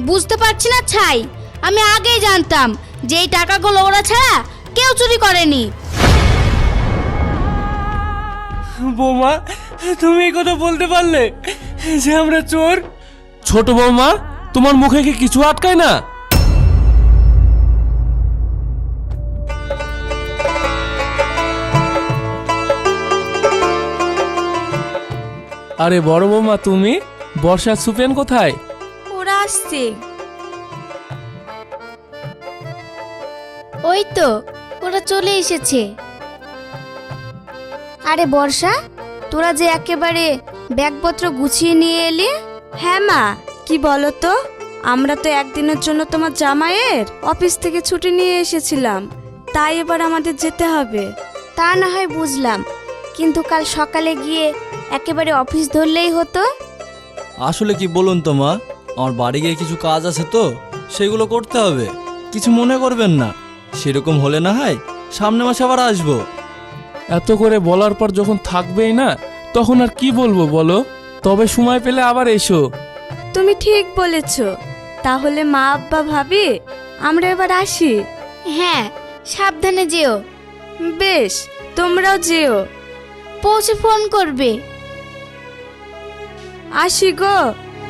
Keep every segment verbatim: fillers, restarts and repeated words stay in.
বুঝতে পারছি না ছাই, আমি আগেই জানতাম যে এই টাকাগুলো ওরা ছাড়া কেউ চুরি করেনি। বৌমা, তুমি এই কথা বলতে পারলে যে আমরা চোর? ছোট বৌমা, তোমার মুখে কি কিছু আটকায় না? আরে বড় বৌমা, তুমি? বর্ষা সুপেন কোথায়? ওরা আসছে। ওই তো ওরা চলে এসেছে। আরে বর্ষা, তোরা যে একেবারে ব্যাগপত্র গুছিয়ে নিয়ে এলি। হ্যাঁ মা, কি বলো তো, আমরা তো একদিনের জন্য তোমার জামাইয়ের অফিস থেকে ছুটি নিয়ে এসেছিলাম, তাই এবার আমাদের যেতে হবে। তা না হয় বুঝলাম, কিন্তু কাল সকালে গিয়ে একেবারে অফিস ধরলেই হতো। আসলে কি বলুন তো মা, আমার বাড়ি গিয়ে কিছু কাজ আছে তো, সেগুলো করতে হবে। কিছু মনে করবেন না, সেরকম হলে না হয় সামনে মাসে আবার আসবো। এত করে বলার পর যখন থাকবেই না, তখন আর কি বলবো বলো? তবে সময় পেলে আবার এসো। তুমি ঠিক বলেছ। তাহলে মা, আব্বা, ভাবি, আমরা এবার আসি। হ্যাঁ, সাবধানে যেও। বেশ, তোমরাও যেও। পৌঁছে ফোন করবে। আসি গো।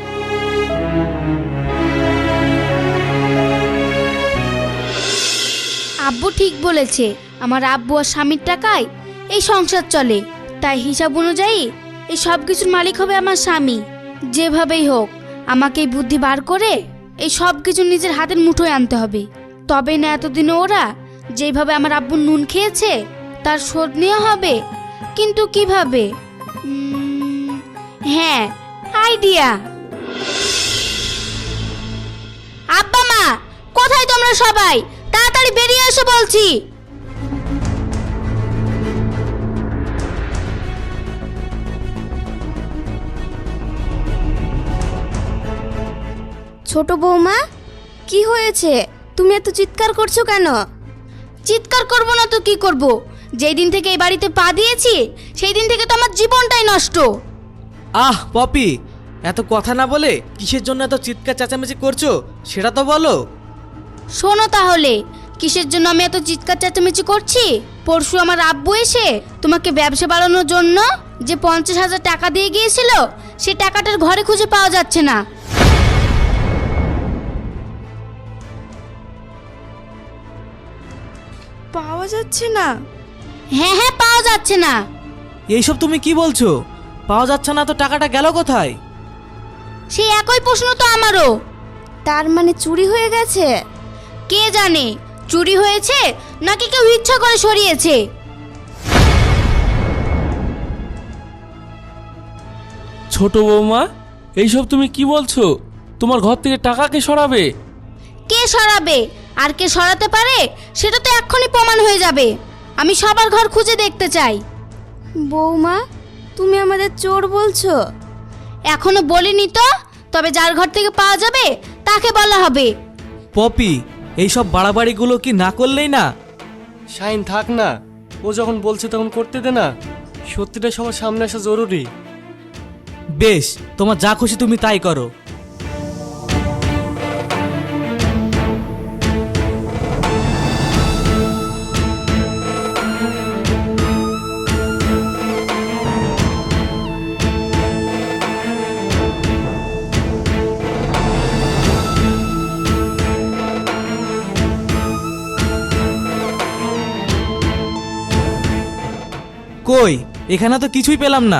আব্বু ঠিক বলেছে, আমার আব্বু আর স্বামীর টাকায় এই সংসার চলে, তাই হিসাব অনুযায়ী এই সব কিছুর মালিক হবে আমার স্বামী। যেভাবেই হোক আমাকে এই বুদ্ধি বার করে এই সব কিছু নিজের হাতের মুঠোয় আনতে হবে, তবেই না এতদিনে ওরা যেভাবে আমার আব্বুর নুন খেয়েছে তার শোধ নেওয়া হবে। কিন্তু কিভাবে? উম, হ্যাঁ, আইডিয়া। আব্বা মা, কোথায় তোমরা সবাই? তাড়াতাড়ি বেরিয়ে এসো বলছি। ছোট বৌমা, কি হয়েছে? তুমি এত চিৎকার করছো কেন? চিৎকার করব না তো কি করব? যেই দিন থেকে এই বাড়িতে পা দিয়েছি সেই দিন থেকে তো আমার জীবনটাই নষ্ট। আহ পপি, এত কথা না বলে কিসের জন্য এত চিৎকার চেঁচামেচি করছো সেটা তো বলো। শোনো তাহলে, কিসের জন্য আমি এত চিৎকার চেঁচামেচি করছি? পরশু আমার আব্বু এসে তোমাকে ব্যবসা বাড়ানোর জন্য যে পঞ্চাশ হাজার টাকা দিয়ে গিয়েছিল, সে টাকাটার ঘরে খুঁজে পাওয়া যাচ্ছে না। পাওয়া যাচ্ছে না? হ্যাঁ হ্যাঁ, পাওয়া যাচ্ছে না। এইসব তুমি কি বলছো? পাওয়া যাচ্ছে না তো টাকাটা গেল কোথায়? সেই একই প্রশ্ন তো আমারও। তার মানে চুরি হয়ে গেছে? কে জানে চুরি হয়েছে নাকি কেউ ইচ্ছা করে সরিয়েছে। ছোট বৌমা, এইসব তুমি কি বলছো? তোমার ঘর থেকে টাকা কে সরাবে? কে সরাবে আর কে সরাতে পারে সেটা তো এক্ষুনি প্রমাণ হয়ে যাবে। আমি সবার ঘর খুঁজে দেখতে চাই। বৌমা, তুমি আমাদের চোর বলছো? এখনো বলিনি তো, তবে যার ঘর থেকে পাওয়া যাবে তাকে বলা হবে। পপি, এইসব বাড়াবাড়িগুলো কি না করলেই না? শাইন থাক না, ও যখন বলছে তখন করতে দে না। সত্যিটা সবার সামনে আসা জরুরি। বেশ, তোমার যা খুশি তুমি তাই করো। কই, এখানে তো কিছুই পেলাম না।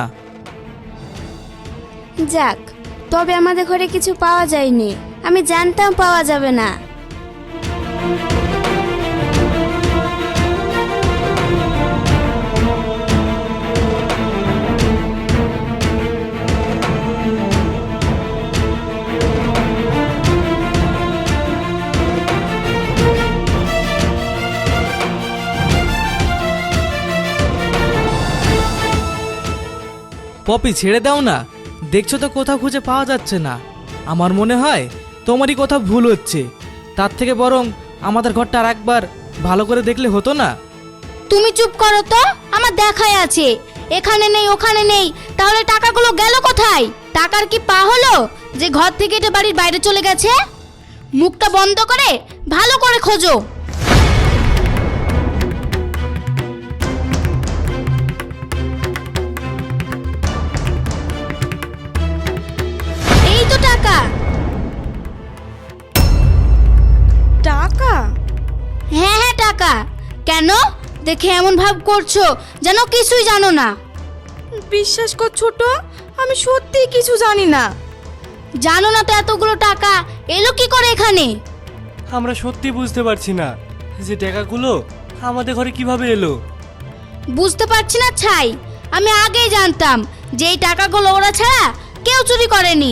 যাক, তবে আমাদের ঘরে কিছু পাওয়া যায়নি। আমি জানতাম পাওয়া যাবে না। পপি, ছেড়ে দাও না, দেখছো তো কোথাও খুঁজে পাওয়া যাচ্ছে না। আমার মনে হয় তোমারই কোথাও ভুল হচ্ছে। তার থেকে বরং আমাদের ঘরটা আর একবার ভালো করে দেখলে হতো না? তুমি চুপ করো তো, আমার দেখাই আছে। এখানে নেই ওখানে নেই, তাহলে টাকাগুলো গেল কোথায়? টাকার কি পা হলো যে ঘর থেকে এটা বাড়ির বাইরে চলে গেছে? মুখটা বন্ধ করে ভালো করে খোঁজো। এই তো টাকা। টাকা? হ্যাঁ হ্যাঁ টাকা। কেন দেখে এমন ভাব করছো যেন কিছুই জানো না? বিশ্বাস কর ছোট, আমি সত্যিই কিছু জানি না। জানো না তো এতগুলো টাকা এলো কি করে এখানে? আমরা সত্যি বুঝতে পারছি না যে টাকাগুলো আমাদের ঘরে কিভাবে এলো। বুঝতে পারছি না ছাই, আমি আগেই জানতাম যে এই টাকাগুলো ওরা ছাড়া কেউ চুরি করেনি।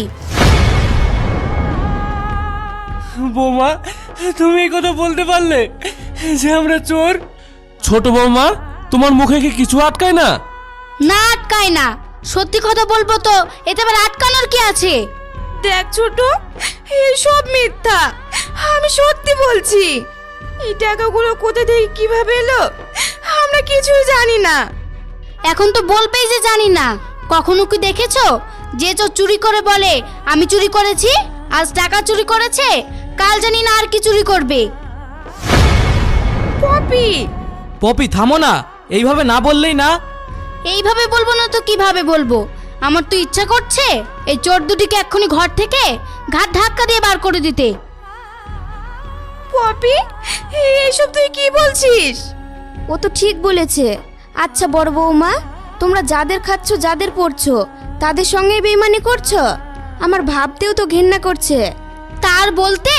বৌমা, তুমি এই কথা বলতে পারলে যে আমরা চোর? ছোট বৌমা, তোমার মুখে কি কিছু আটকায় না? না আটকায় না। সত্যি কথা বলবো তো এতে আবার আটকানোর কি আছে? দেখ ছোট, এসব মিথ্যা। আমি সত্যি বলছি। এই টাকাগুলো কোথা থেকে কিভাবে এলো আমরা কিছুই জানি না। এখন তো বলবেই যে জানি না। কখনো কি দেখেছো যে চোর চুরি করে বলে আমি চুরি করেছি? আজ টাকা চুরি করেছে, কাল জানি না আর কি চুরি করবে। পপি, পপি থামো না, এইভাবে না বললেই না। এইভাবে বলবো না তো কিভাবে বলবো? আমার তো ইচ্ছা করছে এই চোর দুটিকে এক্ষুনি ঘর থেকে ঘাট ধাক্কা দিয়ে বার করে দিতে। পপি, এসব তুই কি বলছিস? ও তো ঠিক বলেছে। আচ্ছা বড় বৌমা, তোমরা যাদের খাচ্ছ যাদের পড়ছো তাদের সঙ্গে বেইমানি করছো? আমার ভাবতেও তো ঘেন্না করছে। তার বলতে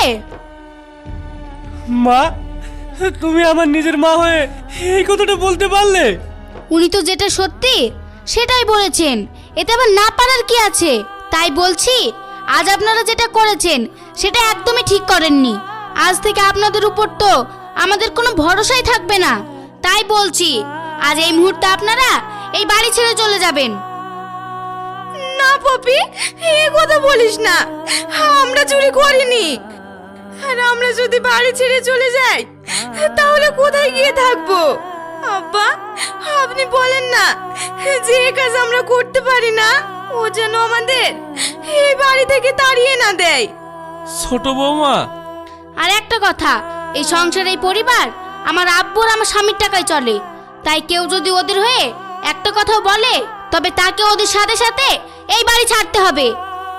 মা, তুমি আমার নিজের মা হয়ে এই কথাটা বলতে পারলে? উনি তো যেটা সত্যি সেটাই বলেছেন, এতে আবার না পারার কি আছে? তাই বলছি আজ আপনারা যেটা করেছেন সেটা একদমই ঠিক করেননি। আজ থেকে আপনাদের উপর তো আমাদের কোনো ভরসাই থাকবে না। তাই বলছি আজ এই মুহূর্তে আপনারা এই বাড়ি ছেড়ে চলে যাবেন। না পপি, এই কথা বলিস না। আমরা চুরি করিনি। আর আমরা যদি বাড়ি ছেড়ে চলে যাই তাহলে কোথায় গিয়ে থাকবো? আব্বা, আপনি বলেন না যে এই কাজ আমরা করতে পারি না। ও যেন আমাদের এই বাড়ি থেকে তাড়িয়ে না দেয়। ছোট বৌমা, আর একটা কথা, এই সংসার এই পরিবার আমার আব্বু আর আমার স্বামীর টাকায় চলে। তাই কেউ যদি ওদের হয়ে একটা কথাও বলে তবে তাকে ওদের সাথে সাথে এই বাড়ি ছাড়তে হবে।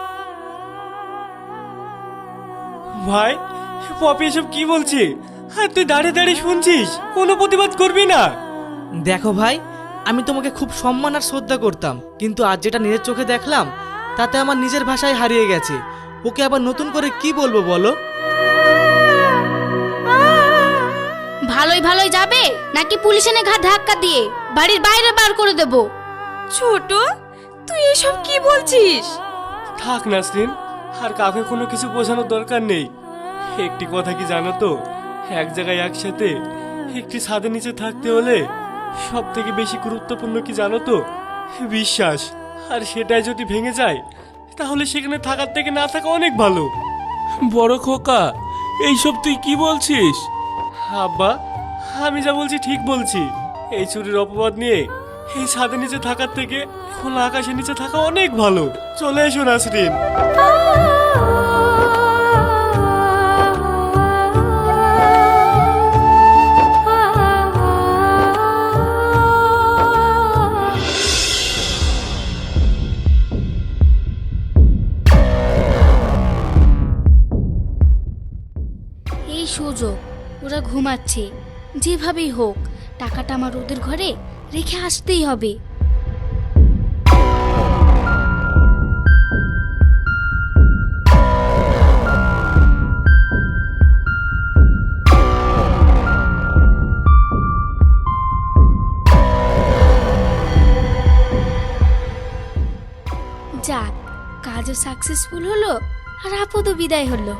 ভাই, পপি এসব কি বলছে? আর তুই দাঁড়িয়ে দাঁড়িয়ে শুনছিস, কোনো প্রতিবাদ করবি না? দেখো ভাই, আমি তোমাকে খুব সম্মান আর শ্রদ্ধা করতাম, কিন্তু আজ যেটা নিজের চোখে দেখলাম তাতে আমার নিজের ভাষায় হারিয়ে গেছে। ওকে আবার নতুন করে কি বলবো বলো? ভালোই ভালোই যাবে নাকি পুলিশ এনে ঘাট ধাক্কা দিয়ে বাড়ির বাইরে বার করে দেব? ছোট, তুই এসব কি বলছিস? থাক নাসরিন, আর কাউকে কোনো কিছু বোঝানোর দরকার নেই। একটি কথা কি জানো তো, এক জায়গায় একসাথে একটি ছাদের নিচে থাকতে হলে সব থেকে বেশি গুরুত্বপূর্ণ কি জানো তো? বিশ্বাস। আর সেটাই যদি ভেঙে যায় তাহলে সেখানে থাকার থেকে না থাকা অনেক ভালো। বড় খোকা, এইসব তুই কি বলছিস? আব্বা, আমি যা বলছি ঠিক বলছি। এই চুরির অপবাদ নিয়ে এই ছাদের নিচে থাকার থেকে খোলা আকাশের নিচে থাকা অনেক ভালো। চলে এসো নাসরিন। এই সুযোগ, ওরা ঘুমাচ্ছে, যেভাবেই হোক টাকাটা আমার ওদের ঘরে রেখে আসতেই হবে। যাক, কাজও সাকসেসফুল হলো আর আপদও বিদায় হলো।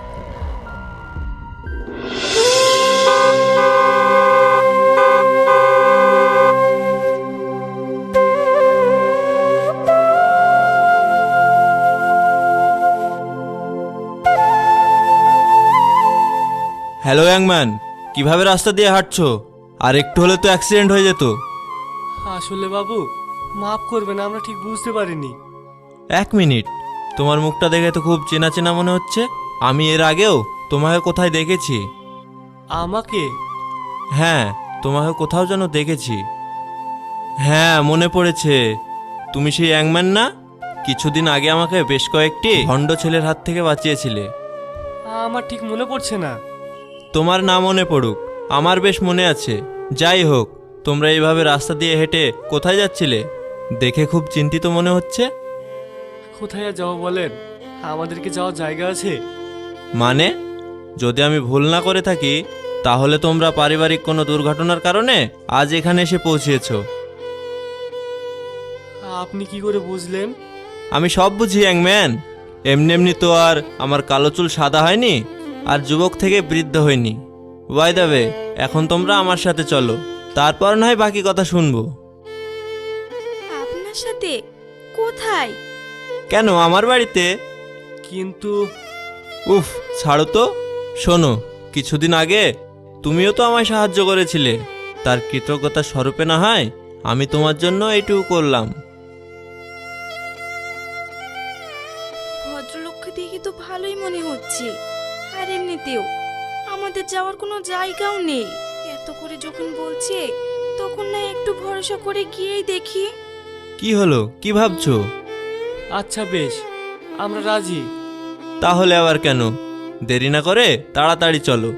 হ্যালো ইয়াংম্যান, কিভাবে রাস্তা দিয়ে হাঁটছো? আর একটু হলে তো অ্যাক্সিডেন্ট হয়ে যেত। আসলে বাবু, মাফ করবেন, আমরা ঠিক বুঝতে পারিনি। এক মিনিট, তোমার মুখটা দেখে তো খুব চেনা চেনা মনে হচ্ছে। আমি এর আগেও তোমাকে কোথায় দেখেছি। আমাকে? হ্যাঁ, তোমাকে কোথাও যেন দেখেছি। হ্যাঁ, মনে পড়েছে। তুমি সেই অ্যাংম্যান না? কিছুদিন আগে আমাকে বেশ কয়েকটি ভণ্ড ছেলের হাত থেকে বাঁচিয়েছিলে। আমার ঠিক মনে পড়ছে না। তোমার না মনে পড়ুক, আমার বেশ মনে আছে। যাই হোক, তোমরা এইভাবে রাস্তা দিয়ে হেঁটে কোথায় যাচ্ছিলে? দেখে খুব চিন্তিত মনে হচ্ছে। কোথায় আর যাবো বলেন? আমাদের কি যাওয়ার জায়গা আছে? মানে, যদি আমি ভুল না করে থাকি তাহলে তোমরা পারিবারিক কোনো দুর্ঘটনার কারণে আজ এখানে এসে পৌঁছেছ। আপনি কি করে বুঝলেন? আমি সব বুঝি অ্যাংম্যান। এমনি এমনি তো আর আমার কালো চুল সাদা হয়নি, আর যুবক থেকে বৃদ্ধ হয়নি। ওয়াই দাবে, এখন তোমরা আমার সাথে চলো, তারপর নয় বাকি কথা শুনবো। আপনার সাথে? কোথায়? কেন, আমার বাড়িতে। কিন্তু উফ, ছাড়ো তো। শোনো, কিছুদিন আগে তুমিও তো আমায় সাহায্য করেছিলে, তার কৃতজ্ঞতা স্বরূপে না হয় আমি তোমার জন্য এইটুকু করলাম। ভদ্রলোককে দেখে তো ভালোই মনে হচ্ছে, আর এমনিতেও আমাদের যাওয়ার কোনো জায়গাও নেই। এত করে যখন বলছে তখন না একটু ভরসা করে গিয়েই দেখি। কি হলো, কি ভাবছো? আচ্ছা বেশ, আমরা রাজি। তাহলে আবার কেন, দেরি না করে তাড়াতাড়ি চলো।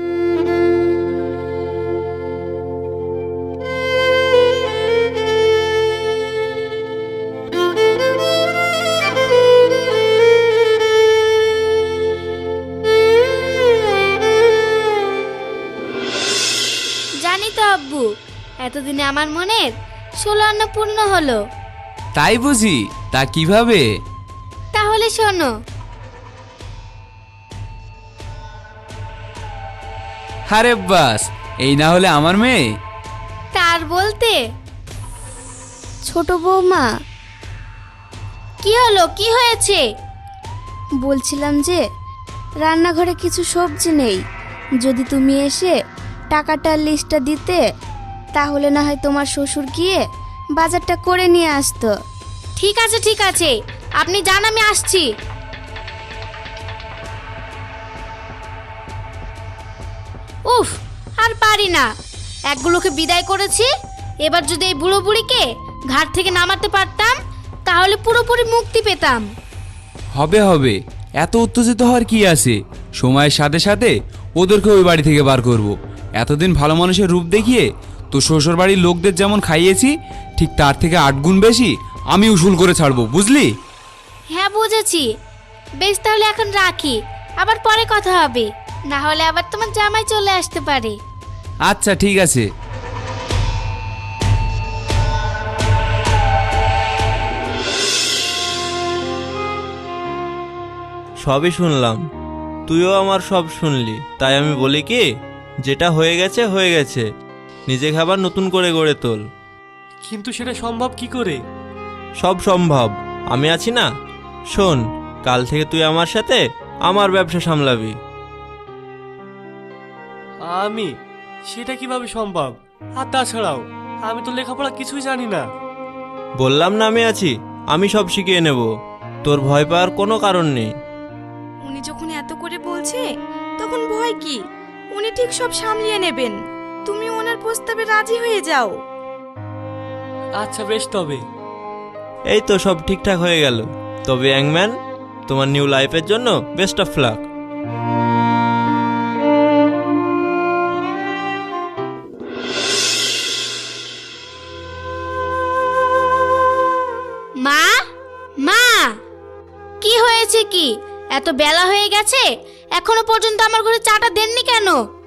জানি তো আব্বু, এতদিনে আমার মনের ষোলো আনা পূর্ণ হলো। তাই বুঝি? তা কিভাবে? তাহলে শোনো। আরে বাস, এই না হলে আমার মেয়ে। তার বলতে ছোট বৌমা, কি হলো, কি হয়েছে? বলছিলাম যে রান্নাঘরে কিছু সবজি নেই, যদি তুমি এসে টাকাটার লিস্টটা দিতে তাহলে না হয় তোমার শ্বশুর গিয়ে বাজারটা করে নিয়ে আসতো। ঠিক আছে ঠিক আছে, আপনি যান, আমি আসছি। উফ, আর পারি না। একগুলোকে বিদায় করেছি, এবার যদি এই বুড়ো বুড়িকে ঘাট থেকে নামাতে পারতাম তাহলে পুরোপুরি মুক্তি পেতাম। হবে হবে, এত উত্তেজিত হওয়ার কি আছে? সময়ের সাথে সাথে ওদেরকে ওই বাড়ি থেকে বার করব। এতদিন ভালো মানুষের রূপ দেখিয়ে তো শ্বশুর বাড়ির লোকদের যেমন খাইয়েছি, ঠিক তার থেকে আট গুণ বেশি আমি উসুল করে ছাড়বো, বুঝলি? হ্যাঁ বুঝেছি। বেশ, তাহলে এখন রাখি, আবার পরে কথা হবে, না হলে আবার তোমার জামাই চলে আসতে পারে। আচ্ছা ঠিক আছে। সবই শুনলাম, তুইও আমার সব শুনলি, তাই আমি বলি কি, যেটা হয়ে গেছে হয়ে গেছে, নিজে খাবার নতুন করে গড়ে তোল। কিন্তু সেটা সম্ভব কি করে? সব সম্ভব, আমি আছি না। শোন, কাল থেকে তুই আমার সাথে আমার ব্যবসা সামলাবি। আমি? সেটা কিভাবে সম্ভব? আর তাছাড়াও আমি তো লেখাপড়া কিছুই জানি না। বললাম না আমি আছি, আমি সব শিখিয়ে নেব, তোর ভয় পাওয়ার কোনো কারণ নেই। উনি যখন এত করে বলছে তখন ভয় কি? উনি ঠিক সব সামলিয়ে নেবেন, তুমি ওনার প্রস্তাবে রাজি হয়ে যাও। আচ্ছা বেশ, তবে এই তো সব ঠিকঠাক হয়ে গেল। তবে অ্যাংম্যান, তোমার নিউ লাইফের জন্য বেস্ট অফ লাক। মা, মা, কি হয়েছে? কি এত বেলা হয়ে গেছে, এখনো পর্যন্ত আমার ঘরে চাটা দেননি কেন?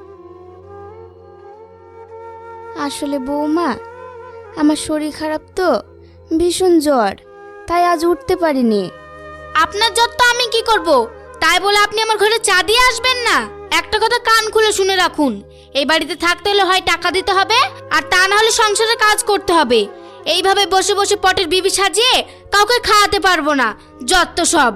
আসলে বৌমা, আমার শরীর খারাপ তো, ভীষণ জ্বর, তাই আজ উঠতে পারিনি। আপনার জ্বর তো আমি কি করব? তাই বলে আপনি আমার ঘরে চা দিয়ে আসবেন না? একটা কথা কান খুলে শুনে রাখুন, এই বাড়িতে থাকতে হলে হয় টাকা দিতে হবে, আর তা না হলে সংসারে কাজ করতে হবে। এইভাবে বসে বসে পটের বিবি সাজিয়ে কাউকে খাওয়াতে পারবো না, যত সব।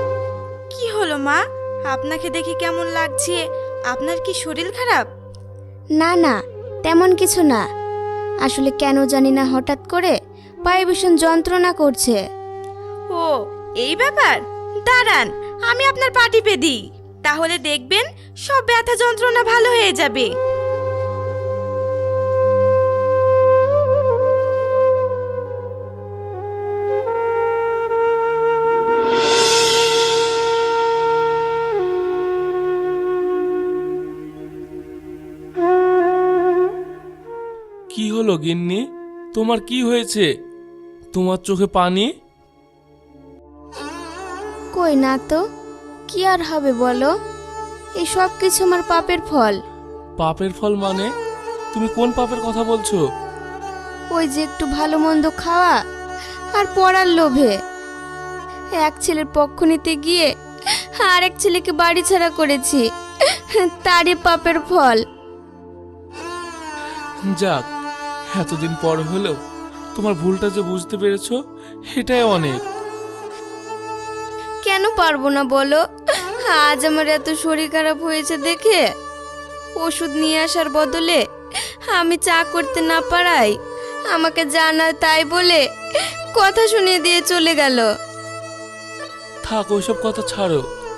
কি হলো মা, আপনাকে দেখে কেমন লাগছে? আপনার কি শরীর খারাপ? না না, তেমন কিছু না। আসলে কেন জানি না হঠাৎ করে পায়ে ভীষণ যন্ত্রণা করছে। ও এই ব্যাপার, দাঁড়ান আমি আপনার পা টিপে দিই, তাহলে দেখবেন সব ব্যথা যন্ত্রণা ভালো হয়ে যাবে। কি হলো গিন্নি, তোমার কি হয়েছে? তোমার চোখে পানি? কই না তো, কি আর হবে বলো? এই সব কিছু আমার পাপের ফল। পাপের ফল মানে? তুমি কোন পাপের কথা বলছো? ওই যে একটু ভালো মন্দ খাওয়া আর পড়ার লোভে এক ছেলের পক্ষ নিতে গিয়ে আর এক ছেলেকে বাড়ি ছাড়া করেছি, তারই পাপের ফল। যাক, এতদিন পর হলেও তোমার ভুলটা যে বুঝতে পেরেছো, এটাই অনেক। কেন পারবো না বলো? আজ আমার এত শরীর খারাপ হয়েছে দেখে ওষুধ নিয়ে আসার বদলে আমি চা করতে না পারাই আমাকে জানা তাই বলে কথা শুনিয়ে দিয়ে চলে গেল। থাক, ওইসব কথা ছাড়ো।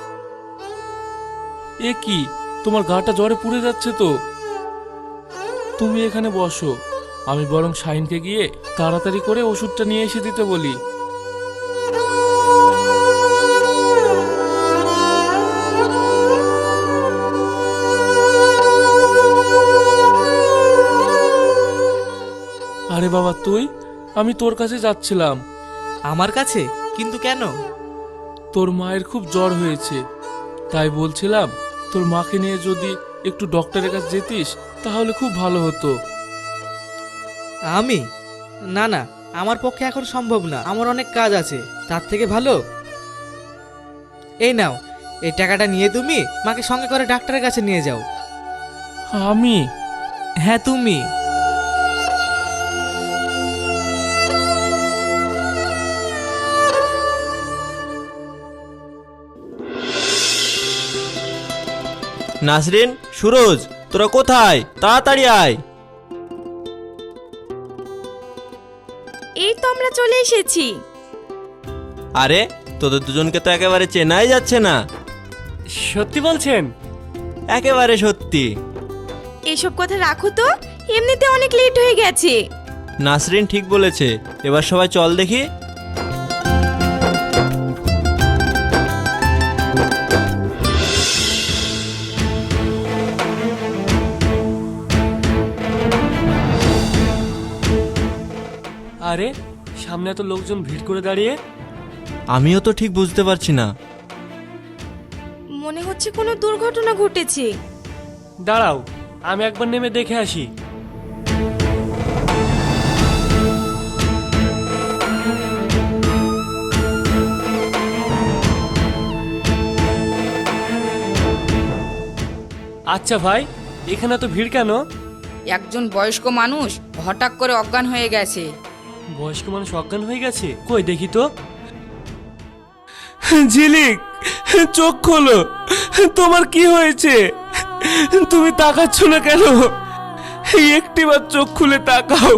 এ কি, তোমার গাটা জ্বরে পুড়ে যাচ্ছে তো। তুমি এখানে বসো, আমি বরং শাহিনকে গিয়ে তাড়াতাড়ি করে ওষুধটা নিয়ে এসে দিতে বলি। আরে বাবা তুই, আমি তোর কাছে যাচ্ছিলাম। আমার কাছে? কিন্তু কেন? তোর মায়ের খুব জ্বর হয়েছে, তাই বলছিলাম তোর মাকে নিয়ে যদি একটু ডক্টরের কাছে যেতিস তাহলে খুব ভালো হতো। আমি? না না, আমার পক্ষে এখন সম্ভব না, আমার অনেক কাজ আছে। তার থেকে ভালো এই নাও, এই টাকাটা নিয়ে তুমি মাকে সঙ্গে করে ডাক্তারের কাছে নিয়ে যাও। আমি? হ্যাঁ তুমি। নাসরিন, সুরজ, তোরা কোথায়? তাড়াতাড়ি আয়। এই তো আমরা চলে এসেছি। আরে তোদের দুজনকে তো একেবারে চেনাই যাচ্ছে না। সত্যি বলছেন? একেবারে সত্যি। এসব কথা রাখো তো, এমনিতে অনেক লেট হয়ে গেছে। নাসরিন ঠিক বলেছে, এবার সবাই চল দেখি। আরে সামনে এত লোকজন ভিড় করে দাঁড়িয়ে। আমিও তো ঠিক বুঝতে পারছি না। মনে হচ্ছে কোনো দুর্ঘটনা ঘটেছে। দাঁড়াও, আমি একবার নেমে দেখে আসি। আচ্ছা ভাই, এখানে তো ভিড় কেন? একজন বয়স্ক মানুষ হঠাৎ করে অজ্ঞান হয়ে গেছে। বয়স্ক মানুষ অজ্ঞান হয়ে গেছে? কই দেখি তো। ঝিলিক, চোখ খোলো, তোমার কি হয়েছে? তুমি তাকাচ্ছ না কেন? একটিবার চোখ খুলে তাকাও।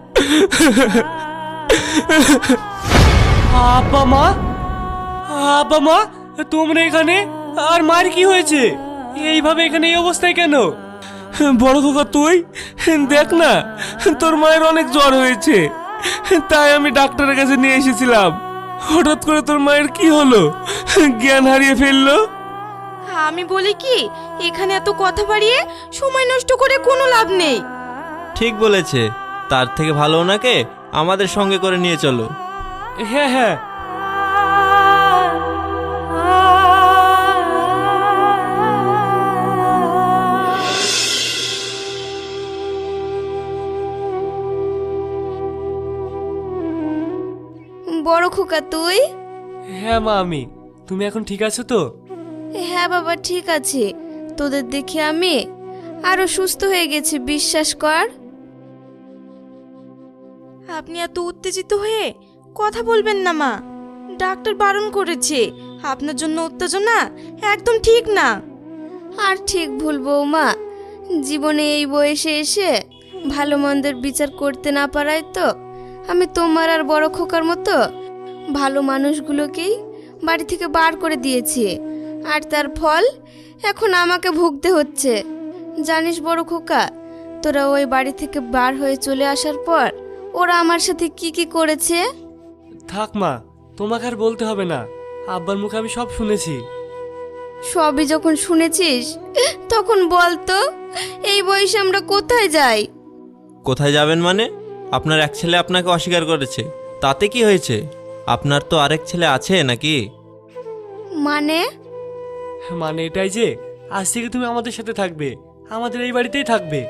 আব্বা মা, আব্বা মা, তোমরা এখানে? আর মার কি হয়েছে? এইভাবে এখানে এই অবস্থায় কেন? বড় খোকা তুই দেখ না, তোর মায়ের অনেক জ্বর হয়েছে, তাই আমি ডাক্তারের কাছে নিয়ে এসেছিলাম। হঠাৎ করে তোর মায়ের কি হলো? জ্ঞান হারিয়ে ফেললো। আমি বলি কি, এখানে এত কথা বাড়িয়ে সময় নষ্ট করে কোনো লাভ নেই। ঠিক বলেছে, তার থেকে ভালো ওনাকে আমাদের সঙ্গে করে নিয়ে চলো। হ্যাঁ হ্যাঁ। বড় খোকা তুই? হ্যাঁ মা, আমি। তুমি এখন ঠিক আছো তো? হ্যাঁ বাবা ঠিক আছে, তোদের দেখে আমি আরো সুস্থ হয়ে গেছি, বিশ্বাস কর। আপনি এত উত্তেজিত হয়ে কথা বলবেন না মা, ডাক্তার বারণ করেছে। আপনার জন্য উত্তেজনা একদম ঠিক না। আর ঠিক ভুল বৌমা, জীবনে এই বয়সে এসে ভালো মন্দের বিচার করতে না পারায় তো আমি তোমার আর বড় খোকার মতো ভালো মানুষগুলোকেই বাড়ি থেকে বার করে দিয়েছি, আর তার ফল এখন আমাকে ভুগতে হচ্ছে। জানিস বড় খোকা, তোরা ওই বাড়ি থেকে বার হয়ে চলে আসার পর ওরা আমার সাথে কি কি করেছে? থাক মা, তোমাকে আর বলতে হবে না, আব্বার মুখে আমি সব শুনেছি। সবই যখন শুনেছিস তখন বল তো, এই বয়সে আমরা কোথায় যাই? কোথায় যাবেন মানে? আপনার এক ছেলে আপনাকে অস্বীকার করেছে, তাতে কি হয়েছে? আপনার তো আরেক ছেলে আছে নাকি? মানে? মানে এটাই যে আজ থেকে তুমি আমাদের সাথে থাকবে, আমাদের এই বাড়িতেই থাকবে।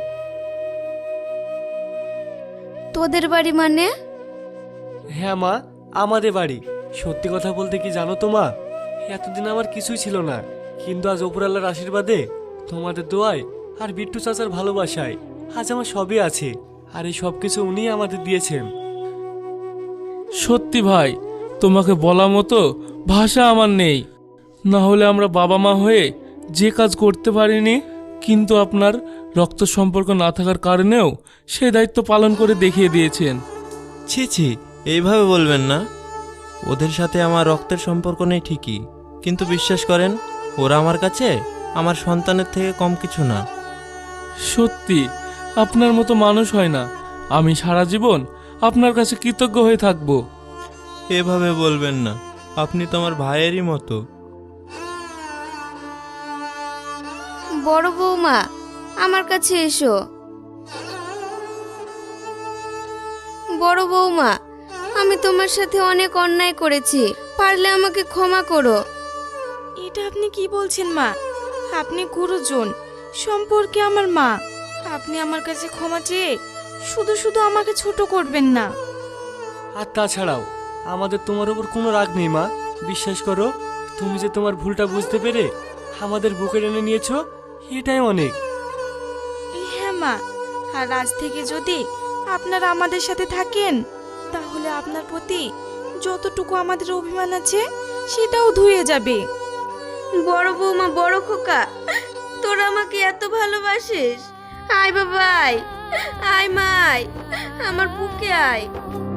তোদের বাড়ি মানে? হ্যাঁ মা, আমাদের বাড়ি। সত্যি কথা বলতে কি জানো তো মা, এতদিন আমার কিছুই ছিল না, কিন্তু আজ ওপরআল্লাহর আশীর্বাদে, তোমাদের দোয়ায় আর বিট্টু চাচার ভালোবাসায় আজ আমার সবই আছে। আর এই সব কিছু উনিই আমাদের দিয়েছেন। সত্যি ভাই, তোমাকে বলা মতো ভাষা আমার নেই। না হলে আমরা বাবা মা হয়ে যে কাজ করতে পারিনি, কিন্তু আপনার রক্ত সম্পর্ক না থাকার কারণেও সেই দায়িত্ব পালন করে দেখিয়ে দিয়েছেন। ছি ছি, এইভাবে বলবেন না। ওদের সাথে আমার রক্তের সম্পর্ক নেই ঠিকই, কিন্তু বিশ্বাস করেন, ওরা আমার কাছে আমার সন্তানের থেকে কম কিছু না। সত্যি আপনার মতো মানুষ হয় না। আমি সারা জীবন আপনার কাছে কৃতজ্ঞ হয়ে থাকব। এভাবে বলবেন না, আপনি তো আমার ভাইয়েরই মতো। বড় বৌমা, আমার কাছে এসো। বড় বৌমা, আমি তোমার সাথে অনেক অন্যায় করেছি, পারলে আমাকে ক্ষমা করো। এটা আপনি কি বলছেন মা? আপনি গুরুজন, সম্পর্কে আমার মা। আপনি আমার কাছে ক্ষমা চেয়ে শুধু শুধু আমাকে ছোট করবেন না। আর তাছাড়াও আমাদের তোমার উপর কোনো রাগ নেই মা। বিশ্বাস করো, তুমি যে তোমার ভুলটা বুঝতে পেরে আমাদের বুকে টেনে নিয়েছো, এটাই অনেক। হ্যাঁ মা, আর আজ থেকে যদি আপনারা আমাদের সাথে থাকেন, তাহলে আপনার প্রতি যতটুকু আমাদের অভিমান আছে সেটাও ধুয়ে যাবে। বড় বৌমা, বড় খোকা, তোরা আমাকে এত ভালোবাসিস। আয় বাবা, আয়, আয় মাই, আমার বুকে আয়।